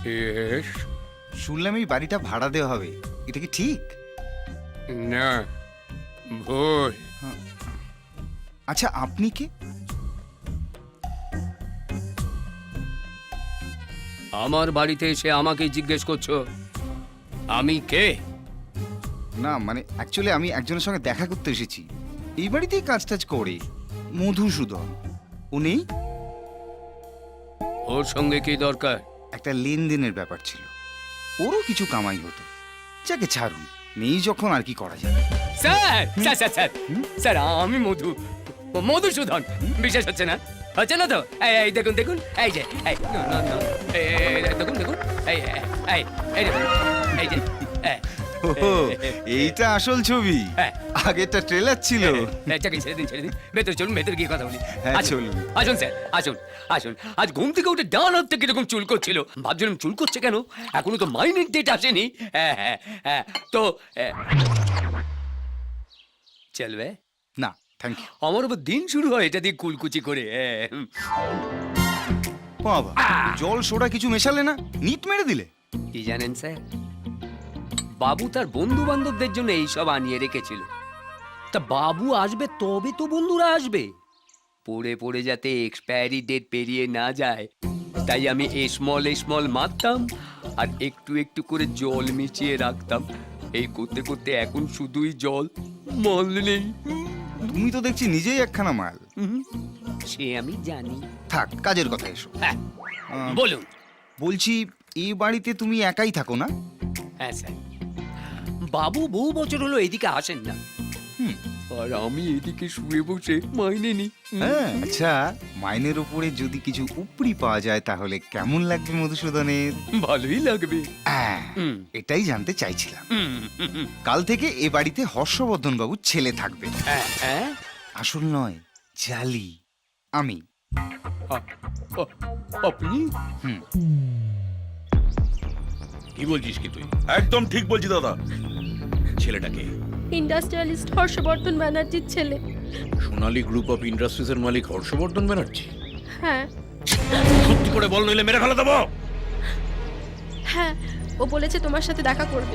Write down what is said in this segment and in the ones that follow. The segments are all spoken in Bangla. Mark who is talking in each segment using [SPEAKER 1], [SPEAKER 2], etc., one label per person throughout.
[SPEAKER 1] ইয়েস।
[SPEAKER 2] শুনলাম এই বাড়িটা ভাড়া দেওয়া হবে, এটা কি ঠিক?
[SPEAKER 1] না, ভুল।
[SPEAKER 2] আচ্ছা, আপনি কে?
[SPEAKER 1] আমার বাড়িতে এসে আমাকে জিজ্ঞেস করছো আমি কে?
[SPEAKER 2] না মানে অ্যাকচুয়ালি আমি একজনের সঙ্গে দেখা করতে এসেছি, এই বাড়িতেই কাজ টাজ করে, মধুসূদন। উনি
[SPEAKER 1] ওর সঙ্গে কি দরকার?
[SPEAKER 2] একটা লেনদেনের ব্যাপার ছিল, ওরও কিছু কামাই হতো। যাকে ছাড়ুন, নেই যখন আর কি করা যাবে।
[SPEAKER 1] Sir sir sir sir sir আমি মধুসূদন। বিশ্বাস হচ্ছে না? হচ্ছে না তো? এই দেখুন দেখুন, এই যে এই না, না, না, দেখুন দেখুন, এই এই এই দেখুন, এই যে
[SPEAKER 2] ওহো, এইটা আসল ছবি।
[SPEAKER 1] হ্যাঁ।
[SPEAKER 2] আগেরটা ট্রেলার ছিল।
[SPEAKER 1] চাকরি ছেড়ে দিন ছেড়ে দিন, ভেতরে চলুন, ভেতরে গিয়ে কথা বলি।
[SPEAKER 2] হ্যাঁ,
[SPEAKER 1] আসুন,
[SPEAKER 2] চলুন।
[SPEAKER 1] আসুন স্যার, আসুন আসুন। আজ ঘুম থেকে উঠে ডান হাত থেকে এরকম চুল করছিল, ভাবছিলাম চুল করছে কেন, এখনো তো মাইনের ডেট আসেনি। হ্যাঁ হ্যাঁ হ্যাঁ, তো চলবে?
[SPEAKER 2] না থ্যাংক ইউ।
[SPEAKER 1] আমার আবার দিন শুরু হয় এটা দিয়ে কুলকুচি করে।
[SPEAKER 2] বাবা, জল সোডা কিছু মেশালে না, নিট মেরে দিলে।
[SPEAKER 1] কি জানেন স্যার, বাবু তার বন্ধু বান্ধবদের জন্য এইসব আনিয়ে রেখেছিল। তা বাবু আসবে তবে তো বন্ধুরা আসবে, পড়ে পড়ে যাতে এক্সপায়ারি ডেট পেরিয়ে না যায়, তাই আমি স্মল মারতাম আর একটু একটু করে জল মিশিয়ে রাখতাম। এই করতে করতে এখন শুধুই জল, মাল নেই।
[SPEAKER 2] তুমি তো দেখছি নিজেই একখানা মাল।
[SPEAKER 1] সে আমি জানি।
[SPEAKER 2] থাক, কাজের কথা এসো।
[SPEAKER 1] হ্যাঁ
[SPEAKER 2] আহ,
[SPEAKER 1] বলুন।
[SPEAKER 2] বলছি, এই বাড়িতে তুমি একাই থাকো না?
[SPEAKER 1] হ্যাঁ স্যার, বাবু বহু বছর হলো এদিকে আসেন না,
[SPEAKER 2] হুম।
[SPEAKER 1] আর আমি এদিকে শুয়ে বসে মাইনে নি।
[SPEAKER 2] হ্যাঁ, আচ্ছা, মাইনের উপরে যদি কিছু উপরি পাওয়া যায় তাহলে কেমন লাগবে মধুসূদনের?
[SPEAKER 1] ভালোই লাগবে।
[SPEAKER 2] হ্যাঁ,
[SPEAKER 1] হুম।
[SPEAKER 2] এটাই জানতে চাইছিলাম।
[SPEAKER 1] হুম, হুম, হুম।
[SPEAKER 2] কাল থেকে এ বাড়িতে হর্ষবর্ধন বাবুর ছেলে থাকবে।
[SPEAKER 1] হ্যাঁ, হ্যাঁ?
[SPEAKER 2] আসল নয়, জালি। আমি।
[SPEAKER 1] আপনি?
[SPEAKER 2] হুম।
[SPEAKER 3] কি বলছিস কি তুই? একদম ঠিক বলছি দাদা। ছেলেটাকে
[SPEAKER 4] ইন্ডাস্ট্রিয়ালিস্ট হর্ষবর্ধন ব্যানার্জির ছেলে।
[SPEAKER 3] সোনালী গ্রুপ অফ ইন্ডাস্ট্রিজ এর মালিক হর্ষবর্ধন ব্যানার্জি।
[SPEAKER 4] হ্যাঁ
[SPEAKER 3] সত্যি করে বল, নইলে মেরে ফেলে দেবো।
[SPEAKER 4] হ্যাঁ, ও বলেছে তোমার সাথে দেখা করবে।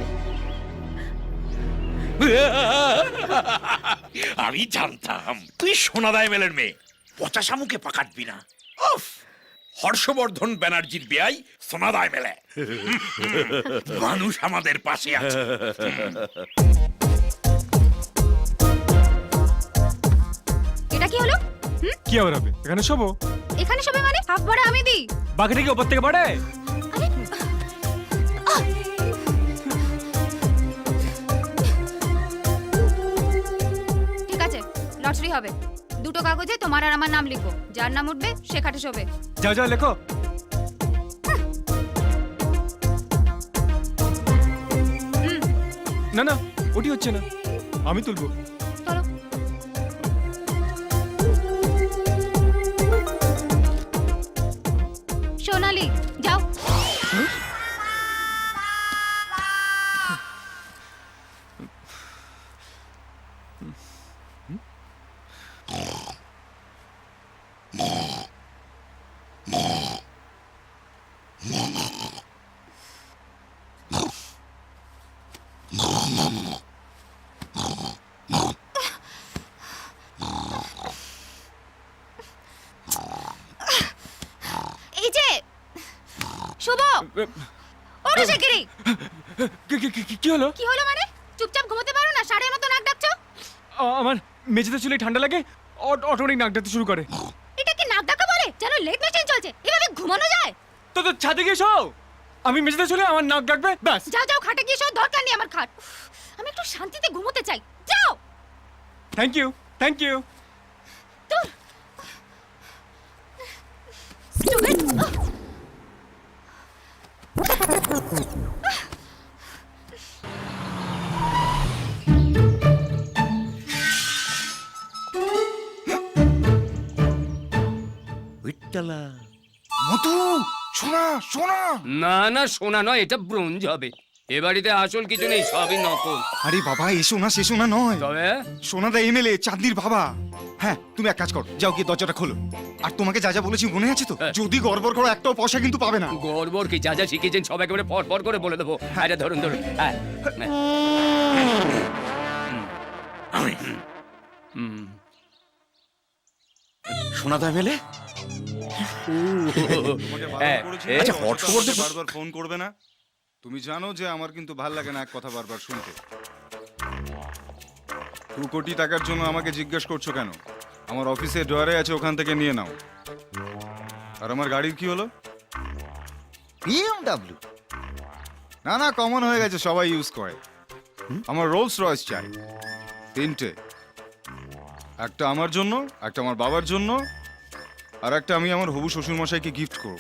[SPEAKER 3] আমি জানতাম তুই সোনাদায় মেলের মেয়ে, পচা শামুকে পাকাটবি না। উফ, হর্ষবর্ধন ব্যানার্জির বেয়াই সোনাদায় মেলে। মানুষ আমাদের পাশে আছে।
[SPEAKER 5] এটা কি হলো?
[SPEAKER 6] কি আবার হবে? এখানে শোবো।
[SPEAKER 5] এখানে সবাই মানে হাফ ভাড়া আমি দিই।
[SPEAKER 6] বাকিটা কি ওপর থেকে বাড়ায়?
[SPEAKER 5] আরে ঠিক আছে, লটারি হবে। দুটো কাগজে তোমার আর আমার নাম লিখো, যার নাম উঠবে সে খাটে শোবে।
[SPEAKER 6] যাও যাও লেখো। না না, ওটি হচ্ছে না, আমি তুলবো।
[SPEAKER 5] চলো। সোনালি যাও। এই যে শুভ, ওঠো শিগগিরই।
[SPEAKER 6] কি হলো?
[SPEAKER 5] কি হলো মানে? চুপচাপ ঘুমোতে পারো না? সাড়ের মতো নাক ডাকছো।
[SPEAKER 6] আমার মেঝেতে চুলে ঠান্ডা লাগে, অটোমেটিক নাক ডাকতে শুরু করে।
[SPEAKER 5] এটা কি নাক ডাকা বলে? যেন লেট মেশিন চলছে। এভাবে ঘুমানো যায়?
[SPEAKER 6] তো ছাদে গিয়ে শো। আমি মেঝেতে চলে আমার নাক ডাকবে, ব্যাস।
[SPEAKER 5] যাও যাও, খাটে গিয়ে শো, দরকার নেই আমার খাট। আমি একটু শান্তিতে ঘুমোতে চাই। যাও।
[SPEAKER 6] Thank you, thank you.
[SPEAKER 5] দূর। Stupid.
[SPEAKER 2] মধু, সোনা সোনা।
[SPEAKER 1] না না, সোনা নয়, এটা ব্রোঞ্জ হবে। এ বাড়িতে আসল কিছু নেই, সবই নকল।
[SPEAKER 2] আরে বাবা, এসো না নয়,
[SPEAKER 1] তবে
[SPEAKER 2] সোনাদা এমএলএ চাঁদনির বাবা। হ্যাঁ, তুমি এক কাজ করো, যাও গিয়ে দরজাটা খোলো। আর তোমাকে যা যা বলেছি মনে আছে তো?
[SPEAKER 1] হ্যাঁ।
[SPEAKER 2] যদি গড়বড় করো একটাও পয়সা কিন্তু পাবে না।
[SPEAKER 1] গড়বড় কি, যা যা শিখেছেন সব একেবারে পর পর করে বলে দেবো। আরে ধরুন ধরুন, হ্যাঁ।
[SPEAKER 3] সোনাদা মেলে
[SPEAKER 2] তোমাকে
[SPEAKER 1] হ্যাঁ,
[SPEAKER 2] করেছি,
[SPEAKER 1] এ-
[SPEAKER 3] আচ্ছা, হর্ষবর্ধন-
[SPEAKER 2] বারবার ফোন করবে না। তুমি জানো যে আমার কিন্তু ভাল লাগে না এক কথা বারবার শুনতে। 2 কোটি টাকার জন্য আমাকে জিজ্ঞেস করছো কেন? আমার অফিসে ড্রয়ারে আছে, ওখান থেকে নিয়ে নাও। আর আমার গাড়ির কি হলো? BMW? না কমন হয়ে গেছে, সবাই ইউজ করে। আমার রোলস রয়েস চাই 3টে, একটা আমার জন্য, একটা আমার বাবার জন্য, আর একটা আমি আমার হবু শ্বশুর মশাইকে গিফট করব।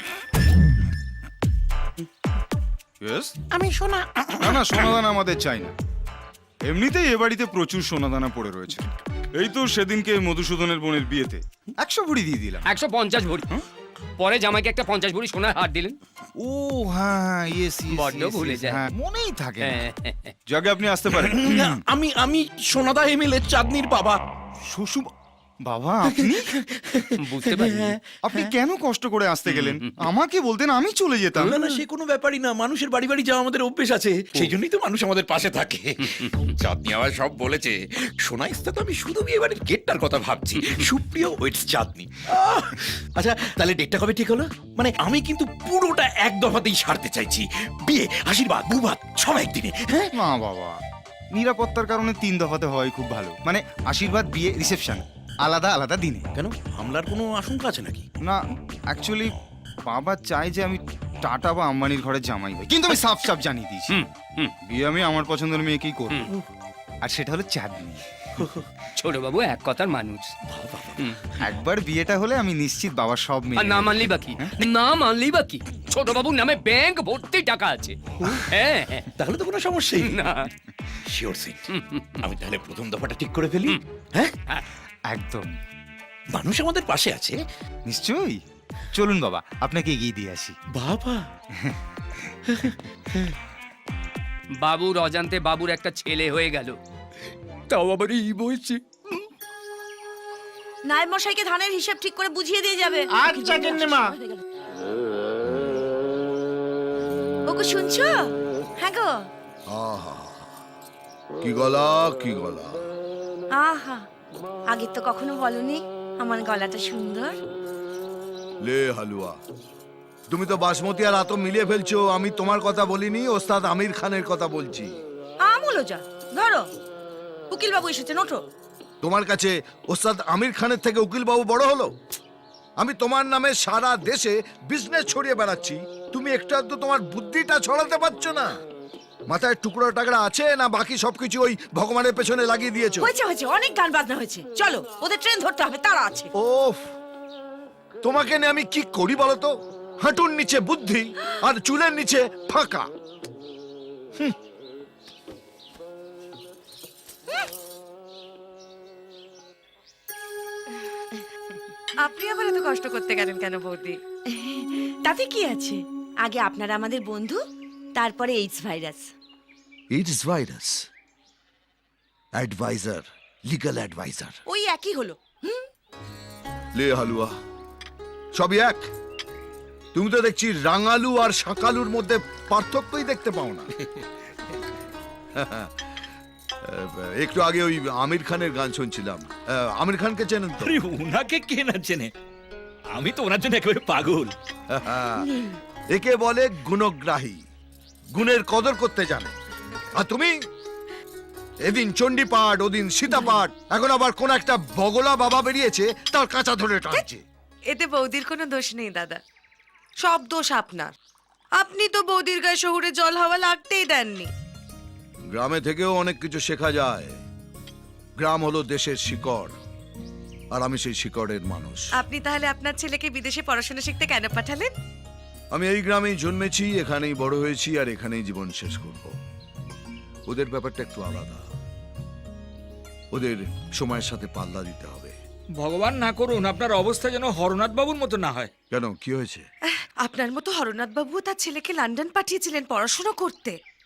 [SPEAKER 2] Yes?
[SPEAKER 3] আমি সোনা
[SPEAKER 2] না সোনাদানা আমাদের চাই না। এমনিতেই এ বাড়িতে প্রচুর সোনাদানা পড়ে রয়েছে। এই তো সেদিনকে মধুসূদনের বোনের বিয়েতে 100 ভরি দিয়ে দিলাম।
[SPEAKER 1] 150 ভরি। পরে জামাইকে একটা 50 ভরি সোনার হার দিলেন।
[SPEAKER 2] ও হ্যাঁ, ইয়েস
[SPEAKER 1] বড্ড ভুলে যায়।
[SPEAKER 2] হ্যাঁ, মনেই থাকে না।
[SPEAKER 1] হ্যাঁ।
[SPEAKER 2] যাকে আপনি আসতে পারেন।
[SPEAKER 3] আমি সোনাদা এমএলএ চাঁদনির বাবা।
[SPEAKER 2] শ্বশুর বাবা, আপনি
[SPEAKER 1] বুঝতে পারি।
[SPEAKER 2] আপনি কেন কষ্ট করে আসতে গেলেন? আমাকে বলতেন, আমি চলে যেতাম।
[SPEAKER 3] না সে কোনো ব্যাপারই না, মানুষের বাড়ি বাড়ি যাওয়া আমাদের অভ্যেস আছে, সেই জন্যই তো মানুষ আমাদের পাশে থাকে। চাঁদনি আবার সব বলেছে। সোনা ইস্তা তো আমি শুধু বিয়ে বাড়ির গেটটার কথা ভাবছি। সুপ্রিয় ওয়েটস চাঁদনি। আচ্ছা, তাহলে ডেটটা কবে ঠিক হলো? মানে আমি কিন্তু পুরোটা এক দফাতেই সারতে চাইছি। বিয়ে, আশীর্বাদ, বুবাদ সব একদিনে। হ্যাঁ,
[SPEAKER 2] না বাবা, নিরাপত্তার কারণে 3 দফাতে হয় খুব ভালো। মানে আশীর্বাদ, বিয়ে, রিসেপশন আলাদা আলাদা দিনে।
[SPEAKER 3] কেন, হামলার কোনো আশঙ্কা আছে নাকি?
[SPEAKER 2] না, অ্যাকচুয়ালি বাবা চায় যে আমি টাটা বা আম্বানির ঘরে জামাই হই, কিন্তু আমি সাফ জানিয়ে দিয়েছি বিয়ে আমি আমার পছন্দের মেয়েকেই করব। আর সেটা হলো চাঁদনি।
[SPEAKER 1] ছোট বাবু এক কথার মানুষ।
[SPEAKER 2] একবার বিয়েটা হলে আমি নিশ্চিত বাবার সব
[SPEAKER 1] আর
[SPEAKER 2] মেয়ে
[SPEAKER 1] না মানলি বাকি, না মানলি বাকি। ছোট বাবুর নামে ব্যাংক ভর্তি টাকা আছে। হ্যাঁ হ্যাঁ।
[SPEAKER 3] তাহলে তো কোনো সমস্যাই নেই।
[SPEAKER 1] না
[SPEAKER 3] শিওর সিট। আমি তাহলে প্রথম দফাটা ঠিক করে ফেলি। হ্যাঁ,
[SPEAKER 2] একদম
[SPEAKER 3] মানুষ আমাদের পাশে আছে।
[SPEAKER 2] নিশ্চয়ই। চলুন বাবা, আপনাকে এগিয়ে দিয়ে আসি।
[SPEAKER 3] বাবা,
[SPEAKER 1] বাবুর অজান্তে বাবুর একটা ছেলে হয়ে গেল, তাও আবার এই বলছে।
[SPEAKER 7] নায়েব মশাইকে ধানের হিসাব ঠিক করে বুঝিয়ে দিয়ে যাবে।
[SPEAKER 8] আচ্ছা গিন্নিমা।
[SPEAKER 7] ওগো শুনছো? হ্যাঁ গো।
[SPEAKER 8] আহা, কি গলা কি গলা।
[SPEAKER 7] আহা, আগে তো কখনো বলনি আমার গলাটা সুন্দর।
[SPEAKER 8] লে হালুয়া, তুমি তো বাসমতি আর আতো মিলিয়ে ফেলছো। আমি তোমার কথা বলিনি, ওস্তাদ আমির খানের কথা বলছি।
[SPEAKER 7] আমুলো যা, ধরো উকিল বাবু এসেছেন, ওঠো।
[SPEAKER 8] তোমার কাছে ওস্তাদ আমির খানের থেকে উকিল বাবু বড় হলো? আমি তোমার নামে সারা দেশে বিজনেস ছড়িয়ে বেড়াচ্ছি, তুমি একটু আধটু তোমার বুদ্ধিটা ছড়াতে পারছো না। মাথায় টুকরো টাকরা আছে না বাকি সবকিছু ওই ভগবানের পেছনে লাগিয়ে দিয়েছো?
[SPEAKER 7] হয়েছে হয়েছে, অনেক গান বাজনা হয়েছে, চলো ওদের ট্রেন ধরতে হবে, তারা আছে।
[SPEAKER 8] ওফ, তোমাকে নিয়ে আমি কি করি বলো তো? হাঁটুর নিচে বুদ্ধি আর চুলের নিচে ফাঁকা।
[SPEAKER 7] আপনি আবার এত কষ্ট করতে গেলেন কেন বৌদি? তাতে কি আছে, আগে আপনারা আমাদের বন্ধু, তারপরে AIDS virus.
[SPEAKER 8] It's virus, adviser, legal adviser.
[SPEAKER 7] ওই একই হলো।
[SPEAKER 8] লে হালুয়া, সবই এক। তুমি তো দেখছি রাঙালু আর শাকালুর মধ্যে পার্থক্যই দেখতে পাও না। একটু আগে ওই আমির খানের গান শুনছিলাম। আমির খানকে চেনেন তো?
[SPEAKER 3] আরে ওনাকে কে না চেনে, আমি তো ওনার জন্য একেবারে পাগল।
[SPEAKER 8] একে বলে গুণগ্রাহী, গুণের কদর করতে জানে। আর তুমি এদিন চণ্ডীপাঠ, ওদিন সীতাপাঠ, এখন আবার কোন একটা বগলা বাবা বেরিয়েছে তার কাঁচা ধরে টানছে।
[SPEAKER 7] এতে বৌদির কোনো দোষ নেই দাদা, সব দোষ আপনার। আপনি তো বৌদির গায়ে শহুরে জল হাওয়া লাগতেই দেননি।
[SPEAKER 8] গ্রামে থেকেও অনেক কিছু শেখা যায়। গ্রাম হলো দেশের শিকড়, আর আমি সেই শিকড়ের মানুষ।
[SPEAKER 7] আপনি তাহলে আপনার ছেলেকে বিদেশে পড়াশোনা শিখতে কেন পাঠালেন?
[SPEAKER 8] আমি এই গ্রামেই জন্মেছি, এখানেই বড় হয়েছি, আর এখানেই জীবন শেষ করব। ওদের ব্যাপারটা একটু আলাদা, ওদের সময়ের সাথে পাল্লা দিতে হবে।
[SPEAKER 9] ভগবান না করুন আপনার অবস্থা যেন হরনাথ বাবুর মতো না হয়।
[SPEAKER 8] কেন, কি হয়েছে?
[SPEAKER 7] আপনার মতো হরনাথ বাবু তার ছেলেকে লন্ডন পাঠিয়েছিলেন পড়াশোনা করতে।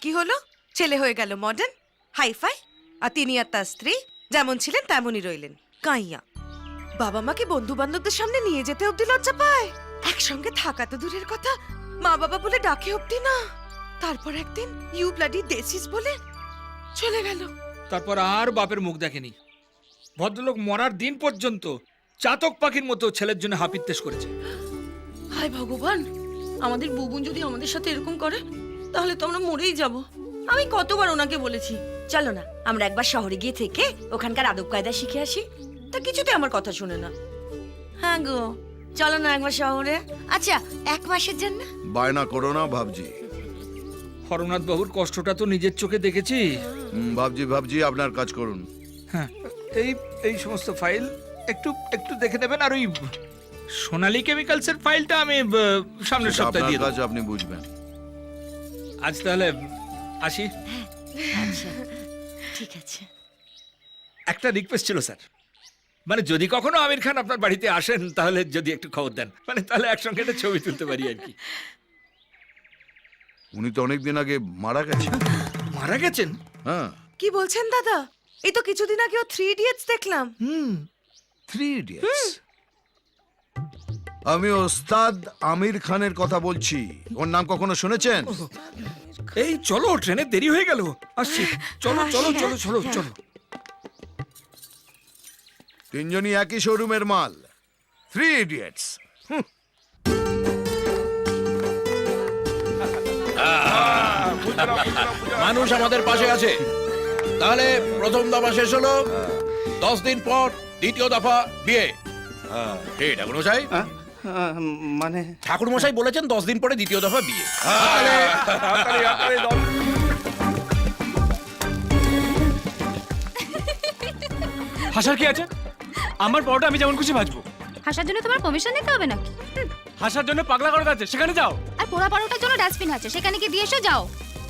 [SPEAKER 7] কি হলো? ছেলে হয়ে গেল মডার্ন, হাইফাই, আর তিনি আর তার স্ত্রী যেমন ছিলেন তেমনই রইলেন কাইয়া। বাবা মাকে বন্ধু বান্ধবদের সামনে নিয়ে যেতে অব্দি লজ্জা পায়, একসঙ্গে থাকা তো দূরের কথা, মা বাবা বলে ডাকে অব্দি না। তারপর একদিন ইউ ব্লাডি দেসিস বলে চলে গেল।
[SPEAKER 9] তারপর আর বাপের মুখ দেখেনি। ভদ্রলোক মরার দিন পর্যন্ত চাতক পাখির মতো ছেলের জন্য হাপিত্তেশ করেছে।
[SPEAKER 7] হায় ভগবান, আমাদের বুবুন যদি আমাদের সাথে এরকম করে তাহলে তো আমরা মরেই যাব। আমি কতবার ওনাকে বলেছি চলো না আমরা একবার শহরে গিয়ে থেকে ওখানকার আদব কায়দা শিখে আসি, তা কিছুতে আমার কথা শুনে না। হ্যাঁ গো, চলো না একবার শহরে। আচ্ছা, 1 মাসের জন্য।
[SPEAKER 8] বায়না করো না ভাবজি।
[SPEAKER 9] হরনাথ বাবুর কষ্টটা তো নিজের চোখে দেখেছি।
[SPEAKER 8] ভাবজি আপনার কাজ করুন।
[SPEAKER 9] হ্যাঁ, এই এই সমস্ত ফাইল একটু একটু দেখে দেবেন। আর ওই সোনালী কেমিক্যালসের ফাইলটা আমি সামনের সপ্তাহে
[SPEAKER 8] আপনার
[SPEAKER 9] দিয়ে দেবো।
[SPEAKER 8] কাজ আপনি বুঝবেন।
[SPEAKER 9] আজ তাহলে আসি।
[SPEAKER 7] আচ্ছা ঠিক আছে।
[SPEAKER 9] একটা রিকোয়েস্ট ছিল স্যার, মানে যদি কখনো আমির খান আপনার বাড়িতে আসেন তাহলে যদি একটু খবর দেন, মানে তাহলে একসঙ্গে একটা ছবি তুলতে পারি আর কি।
[SPEAKER 8] উনি তো অনেকদিন আগে মারা গেছেন।
[SPEAKER 9] মারা গেছেন?
[SPEAKER 8] হ্যাঁ।
[SPEAKER 7] কি বলছেন দাদা? এই তো কিছুদিন আগে ও 3 ইডিয়টস দেখলাম।
[SPEAKER 8] 3 ইডিয়টস। আমি ওস্তাদ আমির খানের কথা বলছি। ওর নাম কখনো শুনেছেন?
[SPEAKER 9] এই চলো, ট্রেনে দেরি হয়ে গেল, আসছি। চলো চলো চলো চলো চলো।
[SPEAKER 8] তিনজনই একই শোরুমের মাল, 3 ইডিয়টস।
[SPEAKER 3] মানুষ আমাদের পাশে আছে। তাহলে প্রথম দফা শেষ হলো, 10 দিন পর দ্বিতীয় দফা বিয়ে। এই ঠাকুর মশাই,
[SPEAKER 10] মানে
[SPEAKER 3] ঠাকুর মশাই বলেছেন 10 দিন পরে দ্বিতীয় দফা বিয়ে।
[SPEAKER 6] হাসার কি আছে? আমার পরোটা আমি যেমন খুশি ভাজবো।
[SPEAKER 5] হাসার জন্য তোমার পারমিশন নিতে হবে নাকি?
[SPEAKER 6] হাসার জন্য পাগলা করার আছে, সেখানে যাও।
[SPEAKER 5] আর পোড়া পারোটার জন্য ডাস্টবিন আছে, সেখানে কি দিয়ে এসো, যাও।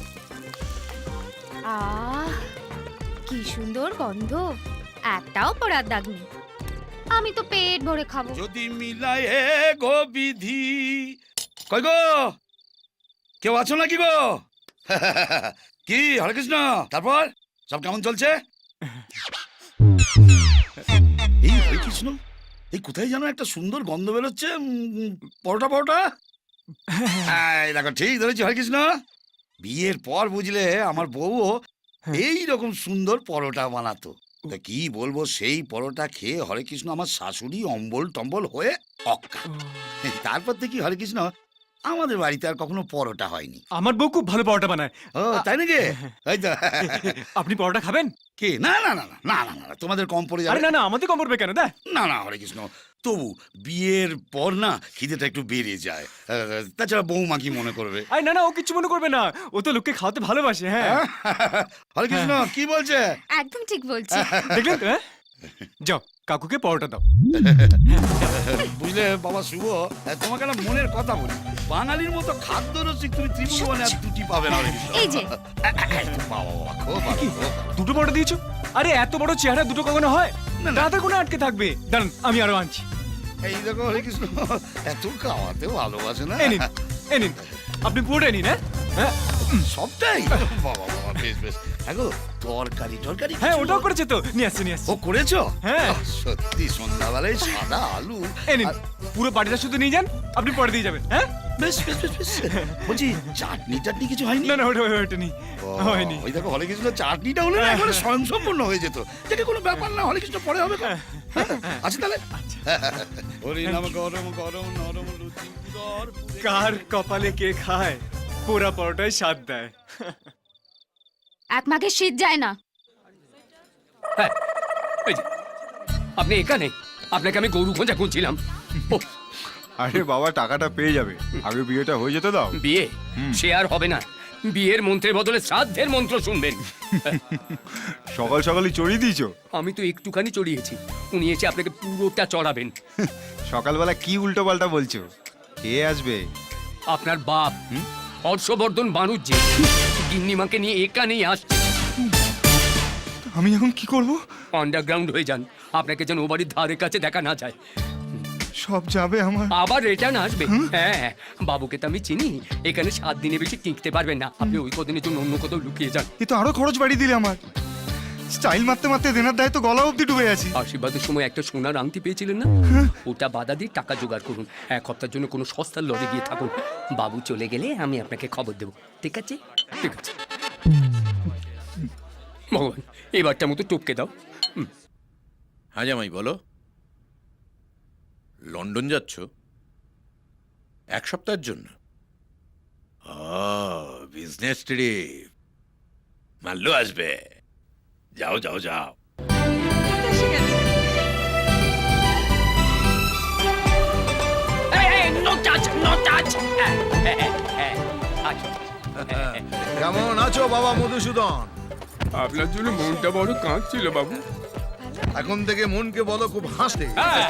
[SPEAKER 5] কি সুন্দর গন্ধ, একটাও পোড়ার দাগ নেই। আমি তো পেট ভরে খাবো।
[SPEAKER 3] যদি মিলায় গো বিধি। কই গো, কেউ আছো নাকি গো? কি হরে কৃষ্ণ, তারপর সব কেমন চলছে? এই হরে কৃষ্ণ, এই কোথায় যেন একটা সুন্দর গন্ধ বেরোচ্ছে। পরোটা পরোটা। এই দেখো, ঠিক ধরেছি হরে কৃষ্ণ। বিয়ের পর বুঝলে আমার বউও এই রকম সুন্দর পরোটা বানাতো। তা কি বলবো, সেই পরোটা খেয়ে হরে কৃষ্ণ আমার শাশুড়ি অম্বল টম্বল হয়ে অক্কা। তারপর থেকে হরে কৃষ্ণ আমাদের বাড়িতে আর কখনো পরোটা হয়নি।
[SPEAKER 6] আমার বউ খুব ভালো পরোটা বানায়।
[SPEAKER 3] ও তাই নাকি? এই তো।
[SPEAKER 6] আপনি পরোটা খাবেন?
[SPEAKER 3] কি? না না না না না না না, তোমাদের কম পড়ে
[SPEAKER 6] আরে
[SPEAKER 3] যাবে।
[SPEAKER 6] না না, আমাদের কম পড়বে কেন? দা
[SPEAKER 3] না না হরে কৃষ্ণ, তবু বিয়ের পর না খিদেটা একটু বেড়ে যায়। তাছাড়া বৌমা কি মনে করবে?
[SPEAKER 6] আরে না না, ও কিছু মনে করবে না, ও তো লোককে খাওয়াতে ভালোবাসে। হ্যাঁ
[SPEAKER 3] হরে কৃষ্ণ কি বলছে?
[SPEAKER 5] একদম ঠিক বলছি।
[SPEAKER 6] দেখলেন তো? যাও কাকুকে পরোটা দাও।
[SPEAKER 3] বুঝলে বাবা শুভ, তোমাকে না মনের কথা বলি, বাঙালির মতো খাদ্য রসিক তুমি ত্রিভুবনে আর দুটি পাবে না হরে কৃষ্ণ।
[SPEAKER 5] এই যে
[SPEAKER 3] বাবা বাবা, খুব ভালো,
[SPEAKER 6] কি?
[SPEAKER 3] খুব ভালো।
[SPEAKER 6] দুটো পরোটা দিয়েছো? আরে এত বড় চেহারা দুটো কখনো হয়?
[SPEAKER 3] না, না।
[SPEAKER 6] দাদা কোনো আটকে থাকবে, দাঁড়ান আমি আরো আনছি।
[SPEAKER 3] এই দেখো হরে কৃষ্ণ, এত খাওয়াতে ভালোবাসে না।
[SPEAKER 6] এই নিন, এই নিন, আপনি পুরোটাই নিন। হ্যাঁ
[SPEAKER 3] সবটাই? বাবা বাবা, বেশ বেশ। হ্যাঁ গো, তরকারি টরকারি
[SPEAKER 6] হ্যাঁ,
[SPEAKER 3] কিছু?
[SPEAKER 6] ওটাও করেছে তো, নিয়ে আসছে নিয়ে আসছে।
[SPEAKER 3] ও করেছো?
[SPEAKER 6] হ্যাঁ।
[SPEAKER 3] সত্যি সন্ধ্যাবেলায় সাদা আলু।
[SPEAKER 6] এই নিন,
[SPEAKER 3] আর-
[SPEAKER 6] পুরো বাড়িটা শুধু নিয়ে যান, আপনি পরে দিয়ে যাবেন। হ্যাঁ
[SPEAKER 3] বেশ বেশ বেশ বেশ। বলছি চাটনি টাটনি কিছু হয়নি?
[SPEAKER 6] না না, ওটা নেই,
[SPEAKER 3] ও,
[SPEAKER 6] হয়নি।
[SPEAKER 3] ওই দেখো হরে কৃষ্ণ, চাটনিটা হলে না একেবারে স্বয়ংসম্পূর্ণ হয়ে যেত। যেটা কোনো ব্যাপার না, হরে কৃষ্ণ পরে হবে। আচ্ছা তাহলে। হরি নাম গরম গরম নরম লুচি উদর পুরে।
[SPEAKER 6] কার কপালে কে খায়, পোড়া পরোটাই স্বাদ দেয়।
[SPEAKER 5] এক মাঘে শীত যায় না।
[SPEAKER 1] হ্যাঁ, এই যে, আপনি এখানে? আপনাকে আমি গরু খোঁজা খুঁজছিলাম। ও,
[SPEAKER 2] আরে বাবা, টাকাটা পেয়ে যাবে, আগে বিয়েটা হয়ে যেতে দাও।
[SPEAKER 1] বিয়ে সে আর হবে না। বিয়ের মন্ত্রের বদলে শ্রাদ্ধের মন্ত্র শুনবেন।
[SPEAKER 2] সকাল সকালই চড়িয়ে দিয়েছো।
[SPEAKER 1] আমি তো একটুখানি চড়িয়েছি, উনি এসে আপনাকে পুরোটা চড়াবেন।
[SPEAKER 2] সকালবেলা কি উল্টো পাল্টা বলছো? কে আসবে?
[SPEAKER 1] আপনার বাপ হর্ষবর্ধন বানুজ্জি গিন্নিমাকে নিয়ে এখানেই আসছে।
[SPEAKER 2] আমি এখন কি করব?
[SPEAKER 1] আন্ডারগ্রাউন্ড হয়ে যান, আপনাকে যেন ও বাড়ির ধারে কাছে দেখা না যায়।
[SPEAKER 2] সব যাবে আমার।
[SPEAKER 1] আবার রিটার্ন আসবে। হ্যাঁ, বাবুকে তো আমি চিনি, এখানে 7 দিনে বেশি টিকতে পারবেন না। আপনি ওই কদিনের জন্য অন্য কোথাও লুকিয়ে যান।
[SPEAKER 2] এ তো আরো খরচ বাড়িয়ে দিলে আমার। স্টাইল মারতে মারতে দেনার দায় তো গলা অব্দি ডুবে আছি।
[SPEAKER 1] আশীর্বাদের সময় একটা সোনার আংটি পেয়েছিলেন না, ওটা বাধা দিয়ে টাকা জোগাড় করুন। 1 হপ্তার জন্য কোনো সস্তার লড়ে গিয়ে থাকুন। বাবু চলে গেলে আমি আপনাকে খবর দেবো। ঠিক আছে? ঠিক আছে। ভগবান, এবারটা মতো টপকে দাও।
[SPEAKER 3] হ্যাঁ জামাই বলো। লন্ডন যাচ্ছ 1 সপ্তাহের জন্য? Business trip. মাল্লু আসবে। যাও যাও যাও।
[SPEAKER 7] এসে গেছে।
[SPEAKER 1] No touch, no touch.
[SPEAKER 8] কেমন আছো বাবা মধুসূদন?
[SPEAKER 1] আপনার জন্য মনটা বড় কাঁদছিল বাবু।
[SPEAKER 8] এখন থেকে মনকে বলো খুব হাসতে।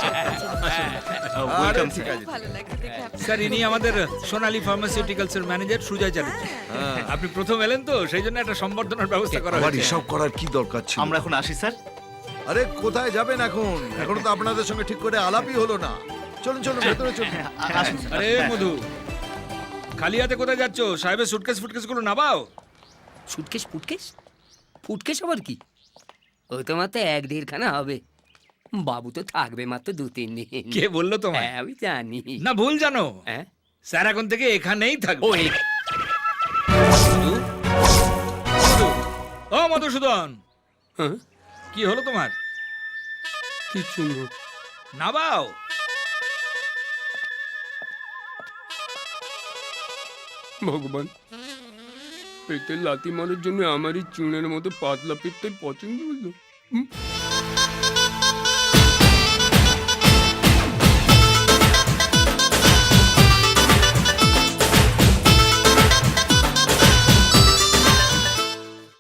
[SPEAKER 8] আরে ঠিক আছে।
[SPEAKER 7] ভালো লাগছে দেখে আপনার।
[SPEAKER 9] স্যার ইনি আমাদের সোনালী ফার্মাসিউটিক্যালস এর ম্যানেজার সুজয় চ্যাটার্জি। আপনি প্রথম এলেন তো সেই জন্য একটা সম্বর্ধনার ব্যবস্থা করা
[SPEAKER 8] আবার
[SPEAKER 9] হয়েছে।
[SPEAKER 8] এসব করার কি দরকার ছিল?
[SPEAKER 10] আমরা এখন আসি স্যার।
[SPEAKER 8] আরে কোথায় যাবেন এখন? এখনো তো আপনাদের সঙ্গে ঠিক করে আলাপই হলো না। চলুন চলুন ভেতরে চলুন।
[SPEAKER 10] আসুন স্যার।
[SPEAKER 9] আরে মধু, খালি হাতে কোথায় যাচ্ছ? সাহেবের সুটকেস ফুটকেস গুলো নামাও।
[SPEAKER 1] সুটকেস ফুটকেস? ফুটকেস আবার কি? ও তো মাত্র 1-1.5 খানা হবে। বাবু তো থাকবে মাত্র 2-3 দিন।
[SPEAKER 9] কে বললো তোমায়?
[SPEAKER 1] হ্যাঁ, আমি জানি।
[SPEAKER 9] না ভুল জানো,
[SPEAKER 1] হ্যাঁ,
[SPEAKER 9] স্যার এখন থেকে এখানেই থাকবে।
[SPEAKER 1] ও
[SPEAKER 9] মধু, মধু, ও মধুসূদন,
[SPEAKER 1] হ্যাঁ,
[SPEAKER 9] কি হলো তোমার?
[SPEAKER 1] কিচ্ছু না।
[SPEAKER 9] নামাও।
[SPEAKER 1] ভগবান, পেটে লাথি মারার জন্য আমারই চুনের মতো পাতলা পেটটাই পছন্দ হলো।